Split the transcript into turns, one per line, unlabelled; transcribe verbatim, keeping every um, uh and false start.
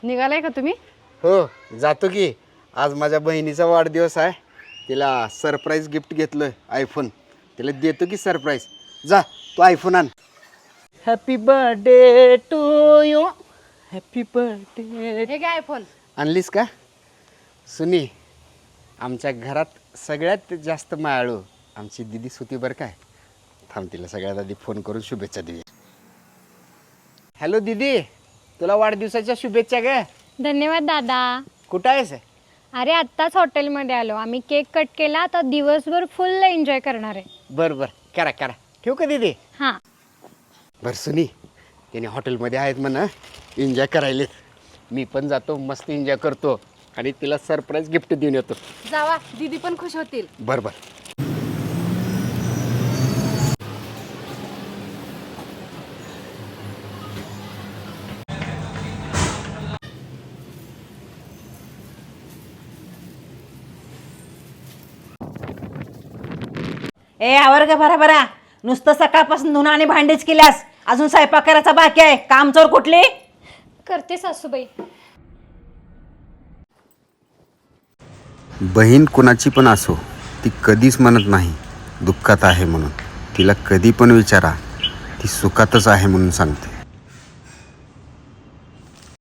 निघालाय का तुम्ही?
हो जातो की. आज माझ्या बहिणीचा वाढदिवस आहे. तिला सरप्राईज गिफ्ट घेतलं आयफोन. तिला देतो की सरप्राईज. जा तू आयफोन आण.
Happy birthday to you. Happy birthday.
हे काय फोन?
आणलीस का सुनी? आमच्या घरात सगळ्यात जास्त मायाळू आमची दिदी सुती बरं काय. थांब तिला सगळ्यात आधी फोन करून शुभेच्छा देऊया. हॅलो दीदी, तुला वाढदिवसाच्या शुभेच्छा ग.
धन्यवाद दादा.
कुठं आहेस?
अरे आत्ताच हॉटेलमध्ये आलो आम्ही. केक कट केला तर दिवसभर फुल एन्जॉय करणार आहे.
बरं बरं करा करा. ठेवू का दीदी?
हां.
बरं सुनी, त्याने हॉटेलमध्ये आहेत म्हणा, एन्जॉय करायलेत. मी पण जातो, मस्त एन्जॉय करतो आणि तिला सरप्राईज गिफ्ट देऊन येतो.
जावा, दीदी पण खुश होतील.
बरं बरं.
ए आवर ग भरा भरा. नुसतं सकाळपासून धुणं आणि भांडीच केल्यास, अजून स्वयंपाक करायचा बाकी आहे. कामचोर कुठली?
करते सासूबाई.
बहीण कुणाची पण असो, ती कधीच म्हणत नाही दुःखात आहे म्हणून. तिला कधी पण विचारा, ती सुखातच आहे म्हणून सांगते.